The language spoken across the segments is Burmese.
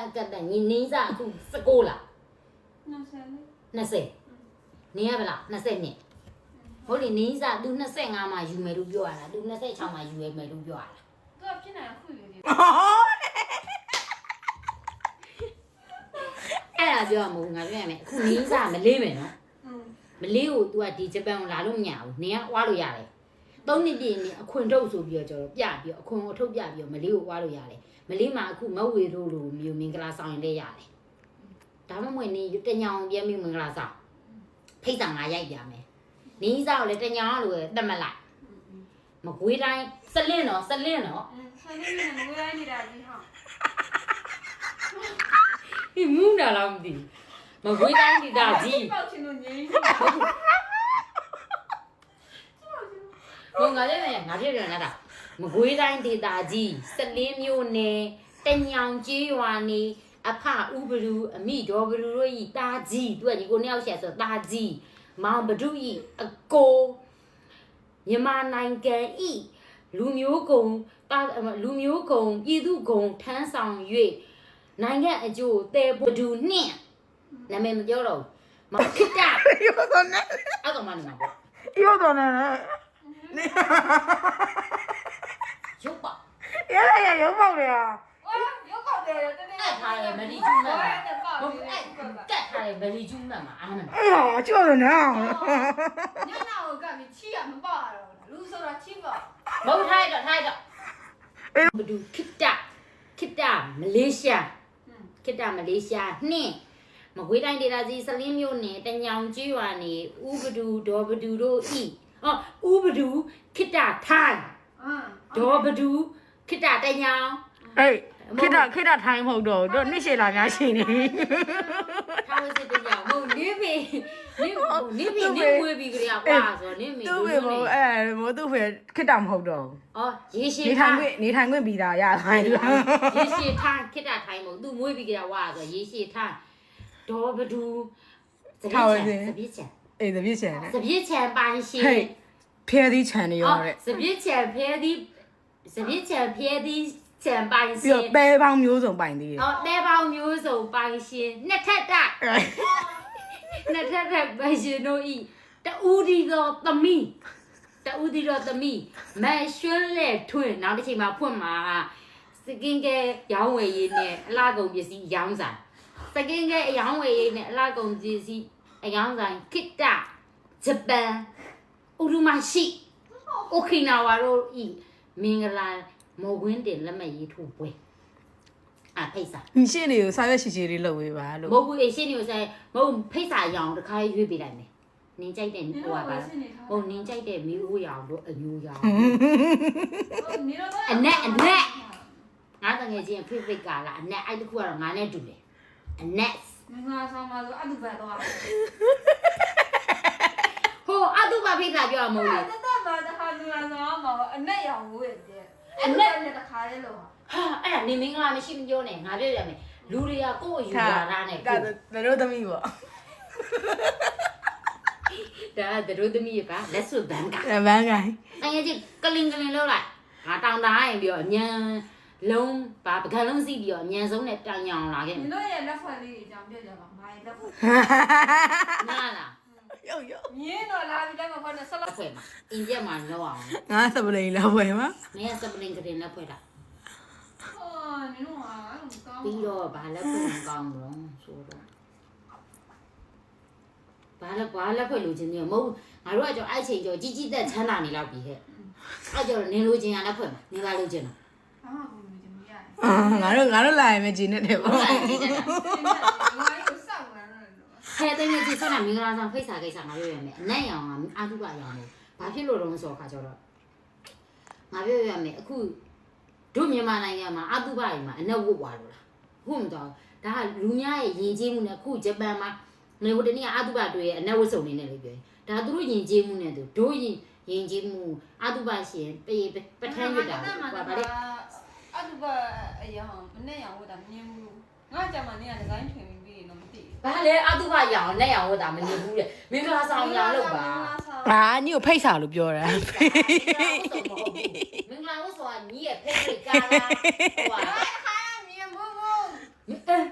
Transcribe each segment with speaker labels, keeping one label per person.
Speaker 1: ကတ်တညီနင်းစားအခု19လား20နင်းရပါလား20နှစ်ဟုတ်လေနင်းစား तू 25မှာယူမယ်လို့ပြောရတာ तू 26မှာယူရမယ်လို့ပြောရတာ
Speaker 2: သူကဖြစ်နေတာခွေလေး
Speaker 1: အဲ့ဒါပြောရမို့ငါပြောရမယ်အခုနင်းစားမလေးမယ်နော်မလေးကို तू ကဒီဂျပန်ကိုလာလို့မရဘူးနင်းကဝါလို့ရတယ်3နှစ်ပြည့်နေအခွန်ထုတ်ဆိုပြီးတော့ကျွန်တော်ပြပြီးအခွန်ကိုထုတ်ပြပြီးတော့မလေးကိုဝါလို့ရတယ်မလေးမှာအခုမဝေတို့လိုမျိုးမင်္ဂလာဆောင်ရင်လည်းရတယ်ဒါမှမဟုတ်နေတညောင်ပြဲပြီးမင်္ဂလာဆောင်ဖိတ်ဆောင်ငါရိုက်ပြမယ်နင်းစားကိုလည်းတညောင်လိုတက်မလိုက်မကွေးတိုင်းစလင်းတော့
Speaker 2: ဆယ်လေးနဲ့ငွေရိုင်းနေတာကြီးဟာ
Speaker 1: ဒီမူးတာလားမသိမကွေးတိုင်းဒီတာကြီး
Speaker 2: ပေါက်ချင်လို့ငြိမ်း
Speaker 1: ဘုံငါလည်းငါပြည့်ပြန်လာတာမကွေးတိုင်းဒေတာကြီး14မြို့နယ်တညောင်ကျေးရွာနေအဖဥပလူအမိဒေါ်ဘလူတို့ဤတာကြီးသူကဒီကိုနှစ်ယောက်ဆက်ဆိုတာကြီးမောင်ဘဒုဤအကိုမြန်မာနိုင်ငံဤလူမျိုးကုံလူမျိုးကုံပြည်သူကုံထမ်းဆောင်၍နိုင်ငံအကျိုးတဲဘဒုနှင့်နာမည်မပြောတော့မခစ်တာ
Speaker 3: ရောတော့နဲ့
Speaker 1: အဲ့ကောင်မနေမှာပေါ့
Speaker 3: ရောတော့နဲ့
Speaker 1: ရုပ်ပါ
Speaker 3: ရရုံပေါက်တယ်ဟာ
Speaker 2: ရုပ်ကောက်တယ်တနေ့
Speaker 1: အဲ့ထားရမလီကျူးမှတ်မှာဟုတ်အဲ့ကတ်ထားရမလီကျူးမှတ်မှာအားမနာ
Speaker 3: အေးဟာကြောက်တယ်နော်
Speaker 2: ညနာကိုကပြီးချီရမပေါ့ရတော့လူဆိုတာချီပေါ့
Speaker 1: မဟုတ်ထိုက်တော့ဘဒူခိတမလေးရှားခိတမလေးရှားနှင့်မကွေးတိုင်းဒေသကြီးစလင်းမြို့နယ်တညောင်ကျွရွာနေဥပဒူဒေါ်ဘဒူတို့ဤဥပဒူခိတထိုင်းဒေါ်ဘဒူခိတတညောင်
Speaker 3: အေးခိတထိုင်းမဟုတ်တော့တို့နှစ်ရှည်လာများရှိနေ
Speaker 1: ထားလို့စစ်တညောင်မဟုတ်နေပြီနေဝေးပြီးကြရကွာဆိုနေမီ
Speaker 3: သူ့ဖေမို့သူ့ဖေခိတမဟုတ်တော့
Speaker 1: ရေရှည်
Speaker 3: နေထိုင်ခွင့်ပြီးတာရခိုင်းလို့
Speaker 1: ရေရှည်ထိုင်းခိတထိုင်းမဟုတ်သူမွေးပြီးကြရဝါဆိုရေရှည်ထိုင်းဒေါ်ဘဒူစပြည့်ချံ
Speaker 3: အေးစပြည့်ချံ
Speaker 1: စပြည့်ချံပိုင်ရှင်
Speaker 3: ဖဲသီးချံနေရောတဲ့
Speaker 1: စပြည့်ချံဖဲသီးချံပိုင်ရှင်
Speaker 3: ပြီးတော့ပဲပေါင်းမျိုးစုံပိုင်သေးတယ်
Speaker 1: တဲပေါင်းမျိုးစုံပိုင်ရှင်နှစ်ထက်တက်ပိုင်ရှင်တို့ဤတူဒီတော်သမီးမရွှန်းလက်ထွန်းနောက်တစ်ချိန်မှာဖွင့်မှာစကင်ကဲရောင်းဝယ်ရေးနဲ့အလားကုန်ပစ္စည်းရောင်းဆိုင်စကင်ကဲအရောင်းဝယ်ရေးနဲ့အလားကုန်ပစ္စည်းအရောင်းဆိုင်ခိတဂျပန်ဥရုမရှိโอเคနာဝါတို့ဤမင်္ဂလာမော်ကွင်းတင်လက်မရေးထိုးပွဲဖိတ်စာ
Speaker 3: ရှင်းနေကိုစာရွက်ရှိလေးလုပ်ဝေးပါလို့
Speaker 1: မဟုတ်ဘူးရှင်းနေကိုဆိုင်မဟုတ်ဖိတ်စာရောင်တစ်ခါရွေးပေးလိုက်မယ်နင်းကြိုက်တဲ့ဟိုပါဟုတ်နင်းကြိုက်တဲ့မီးဦးရောင်တို့အမျိုးရောင်အနက်ငါတငယ်ချင်းဖိတ်ကာလာအနက်အဲ့တခုကတော့ငါနဲ့တူတယ်အနက်
Speaker 2: မင်္ဂလာဆောင်ပါဆိုအတူပဲတော့
Speaker 1: ဟိုအတူပါဖိတ်စာပြောမဟုတ်လေ
Speaker 2: တတ်ပါတခါလူလာဆောင်မှာအနက်ရောင်ဝေးတယ်အနက်နဲ့တခါလေးလို့
Speaker 1: ဟာအဲ့ဒါနေမင်္ဂလာမရှိမပြောနဲ့ငါပြောရမယ်လူတွေကကိုယ့်အယူဝါဒနဲ့
Speaker 3: ဒါတို့သမီးပေါ့
Speaker 1: ဒါတို့သမီးပါလက်စွပ်ဘန်းက
Speaker 3: ဘန်းကိုင်း
Speaker 1: တကယ်ကြီးကလင်လောက်လိုက်ငါတောင်းတာရင်ပြီးတော့အမြန်လုံးပါပကံလုံးစီးပြီးတော့အမြန်ဆုံးနဲ့တောင်းညောင်လာခဲ့
Speaker 2: တယ်တို့ရဲ့လက်ဖွဲ့လေးအကြောင်းပြောကြပါမိုင်းလက်ဖွဲ့
Speaker 1: နားလား
Speaker 3: ရုပ်
Speaker 2: မြင်းတော့လာပြီးတိုင်းမှာခေါ်နေဆက်လက်
Speaker 1: ဖွဲ့မှာအင်ဂျက်မှာလောက်အောင်
Speaker 3: ငါစပလိန်လောက်ဖွဲ့မှာ
Speaker 1: မင်းစပလိန်ကတင်လက်ဖွဲ့တာ
Speaker 2: နင်တို့ကအဲ့လိုကောင်း
Speaker 1: ပြီးတော့ဘာလက်ဖွဲ့ကောင်းတော့ဆိုတော့ဘာလက်ဖွဲ့လိုချင်တယ်မဟုတ်ငါတို့ကကြောင့်အဲ့ချိန်ကြောကြီးသက်ချမ်းသာနေလောက်ပြီဟဲ့အဲ့ကြောင့်နင်လိုချင်ရလက်ဖွဲ့မှာနင်လာလိုချင်တော့
Speaker 3: ငါတို့လာရင်မကြည့်နဲ့တယ်ပေါ့
Speaker 2: ငါတို့စောက်လာ
Speaker 1: တော့တဲ့နေကြီးဆောင်းမင်္ဂလာဆောင်ဖိတ်စာကိစ္စငါပြောရမယ်အနက်ရောင်အာထုပရောင်လို့ဘာဖြစ်လို့တော့ဆိုခါကျတော့ငါပြောရမယ်အခုတို့မြန်မာနိုင်ငံမှာအတုပတွေမှာအနက်ဝတ်သွားလို့လားဟုတ်မတော်ဒါကလူများရဲ့ယဉ်ကျေးမှုနဲ့အခုဂျပန်မှာနေဟိုတနေ့ကအတုပတွေရဲ့အနက်ဝတ်စုံနေနဲ့လို့ပြောတယ်ဒါသူတို့ယဉ်ကျေးမှုနဲ့တို့ယဉ်ကျေးမှုအတုပရှင်ပထမ်းရတာ
Speaker 2: ဗာလေအတုပအရောင်အနက်ရောင်ဝတ်တာမြင်ဘူးငါကြမှာနေရဒီဇိုင်းထွင်ပြီးတော့မသိဘူး
Speaker 1: ဘာလဲအတုပရောင်နဲ့ရောင်ဝတ်တာမမြင်ဘူးတဲ့မင်္ဂလာဆောင်လာလို့ပါ
Speaker 3: ညီကိုဖိတ်စာလို့ပြောတာ
Speaker 1: မင်္ဂလာဝတ်ဆိုတာညီရဲ့ဖိတ်ကားလားဟိုက
Speaker 2: မြင်ဘူး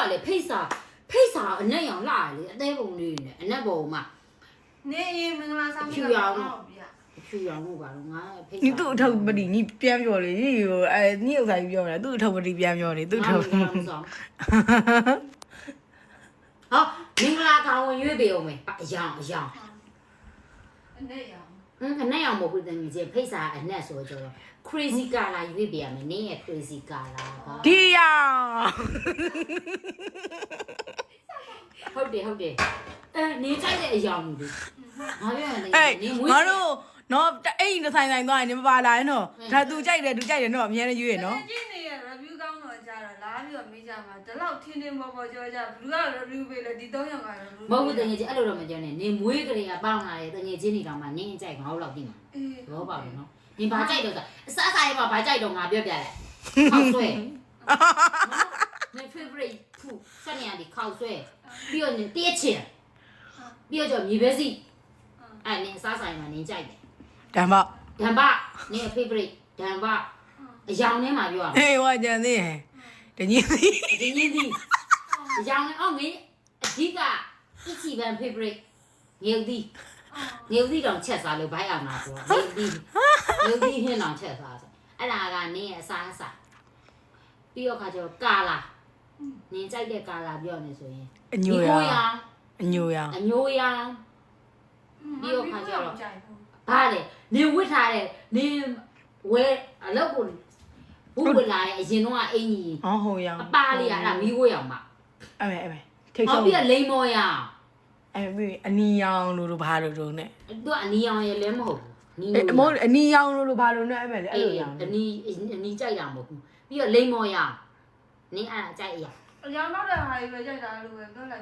Speaker 1: လေဖိတ်စာအနက်ရောင်လာလေအသေးပုံလေးနဲ့အနက်ပုံမှာ
Speaker 2: နေရင်မင်္ဂလာဆောင်ပြ
Speaker 1: ဖြူရောင်လို့ပါတော့ငါဖိတ်စာ
Speaker 3: 你都头不离，你变表嘞，你有哎，你有啥表嘞？都头不离变表嘞，都头。
Speaker 1: ဟောမင်္ဂလာကောင်ဝင်ရွေးပေးအောင်မယ်အယောင်
Speaker 2: အနေရောင်
Speaker 1: အနက်ရောင်မဟုတ်ဘူးတကယ်ချင်းဖိတ်စာအနက်ဆိုကြတော့ crazy color ရွေးပေးရမယ်နင်းရဲ့ crazy color က
Speaker 3: 对呀。
Speaker 1: ဟုတ်တယ်နေကြိုက်တဲ့အယောင်တွေငါပြောရတယ်
Speaker 3: 哎
Speaker 1: နင်းမွေး
Speaker 3: 我都喏，哎，你才多，你们爸来喏，他都在的喏，明天就喏。
Speaker 2: ကြည့်နေရ review ကောင်းတော့ကြာတော့လာပြီးတော့မေးကြမှာဒီလောက်ထင်းထင်းပေါ်ပေါ်ကြောကြဘလူးက review ပေးလဲဒီ3ယောက်က review
Speaker 1: မဟုတ်ဘူးတကယ်ချင်းအဲ့လိုတော့မပြောနဲ့နင်းမွေးကလေးကပေါင်းလာတယ်တကယ်ချင်းနေတော့မှနင်းကြိုက်ငါ့လောက်သိမှာ
Speaker 2: အေး
Speaker 1: ဘောပါဘူးနော်နင်းဘာကြိုက်တော့အစားစားရမှာဘာကြိုက်တော့ငါပြောပြလိုက်ခောက်ဆွဲနင်း favorite food ဆက်နေရတယ်ခောက်ဆွဲပြီးတော့နင်းတည့်ချင်ပြီးတော့မြေပဲစီအဲ့နင်းအစားစားရမှာနင်းကြိုက်တယ်
Speaker 3: 干嘛？
Speaker 1: ဒံဘနင်း favorite ဒံဘအယောင်ထဲမှာပြောရမယ်
Speaker 3: 哎，我讲的，这你
Speaker 1: ဒီနည်းဒီအယောင်နဲ့အော်ငင်းအဓိကအချီပန် favorite ငယ်ဦးဒီတောင်ချက်စားလို့ဘိုက်အောင်မှာဆိုတော့ငယ်ဦးဒီဟင်းတောင်ချက်စားဆိုအဲ့ဒါကနင်းရဲ့အစားအစာပြီးတော့ခါကျတော့ကာလာနင်းကြိုက်တဲ့ကာလာပြောနေဆိုရင်
Speaker 3: 牛呀，牛呀，
Speaker 1: အညိုရောင်
Speaker 2: ကြိုက်ဘူး
Speaker 1: ဗါတယ်နင်းဝစ်ထားတယ်နင်းဝဲအလောက်ကိုဘူးဝလာရဲ့အရင်တော့အင်ကြီး
Speaker 3: 哦好呀
Speaker 1: အ。ပါလေးအဲ့ဒါမီးဝဲအောင်မှာ
Speaker 3: 哎喂哎喂，听
Speaker 1: ဟော
Speaker 3: 说
Speaker 1: ပြီး。တော့လိမ္မော်ရောင်
Speaker 3: 哎喂，你养露露爬露露呢？
Speaker 1: သူကအနီရောင်ရဲ့လည်းမဟုတ်ဘူးနီး
Speaker 3: 哎，
Speaker 1: လို့
Speaker 3: 莫你养露露爬露呢？哎喂，哎
Speaker 1: အဲ့
Speaker 3: 呦
Speaker 1: အ
Speaker 3: 养。
Speaker 1: နီကြိုက်တာမဟုတ်ဘူးပြီးတော့လိမ္မော်ရောင်နင်းအဲ့ဒါကြိုက်အရာ
Speaker 2: အရောင်တော့တဲ့ဟာကြီးပဲကြိုက်တာလို့ပဲပြောလိုက်ပါ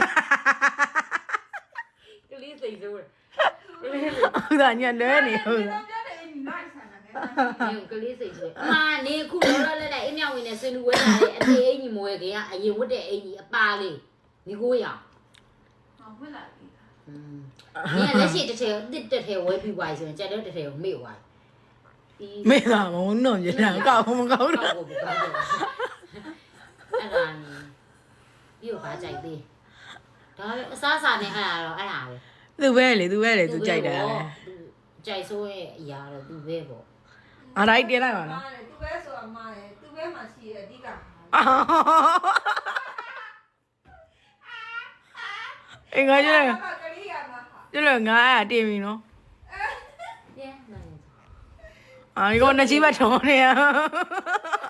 Speaker 1: ကလေးစိတ်ဆိုးတယ်
Speaker 3: ဟုတ်တာညလွဲနေဟုတ်တာ
Speaker 2: ပြောတယ်အင်းလိုက်ဆန်တယ်
Speaker 1: နင်းကလေးစိတ်ဆိုးတယ်အမနေအခုလောလောလတ်လတ်အင်းမြောင်ဝင်နဲ့ဆွေးနွေးဝဲလာတဲ့အသေးအင်ကြီးမွဲခင်ကအရင်ဝတ်တဲ့အင်ကြီးအပါလေးမိကိုရောင်
Speaker 2: ဟောဖွင့်လာပြီ
Speaker 1: နင်းကလက်ရှိတစ်ထည်တစ်ထည်ဝဲပြီးသွားဆိုရင်ကြက်တဲ့တစ်ထည်ကိုမေ့သွားပြီ
Speaker 3: မေးတာမဟုတ်တော့ညလာကောက်မကောက်တော့
Speaker 1: ဟုတ်ကောက်တော့အဲ့ဒါနေပြီးတော့ဗာကြိုက်သေးဒါအစားစားနဲ့အဲ့ဒါတော့အဲ့ဒါပဲ
Speaker 3: သူပဲလေသူကြိုက်တာလေ
Speaker 1: ကြိုက်ဆိုးရဲ့အရာတော့သူပဲပေါ့
Speaker 3: အားလိုက်တင်လိုက်ပါနော်
Speaker 2: သူပဲဆိုတာမှားတယ်သူပဲမှာရှိရဲ့အဓိက
Speaker 3: အင်္ဂါကျတော့
Speaker 2: ကလေးရမှာဟာ
Speaker 3: ကျတော့ငါအဲ့တင်ပြီနော်
Speaker 1: ပြန်နိုင်
Speaker 3: အာဒီကောနှစ်ချိဘတ်ထုံးနေရ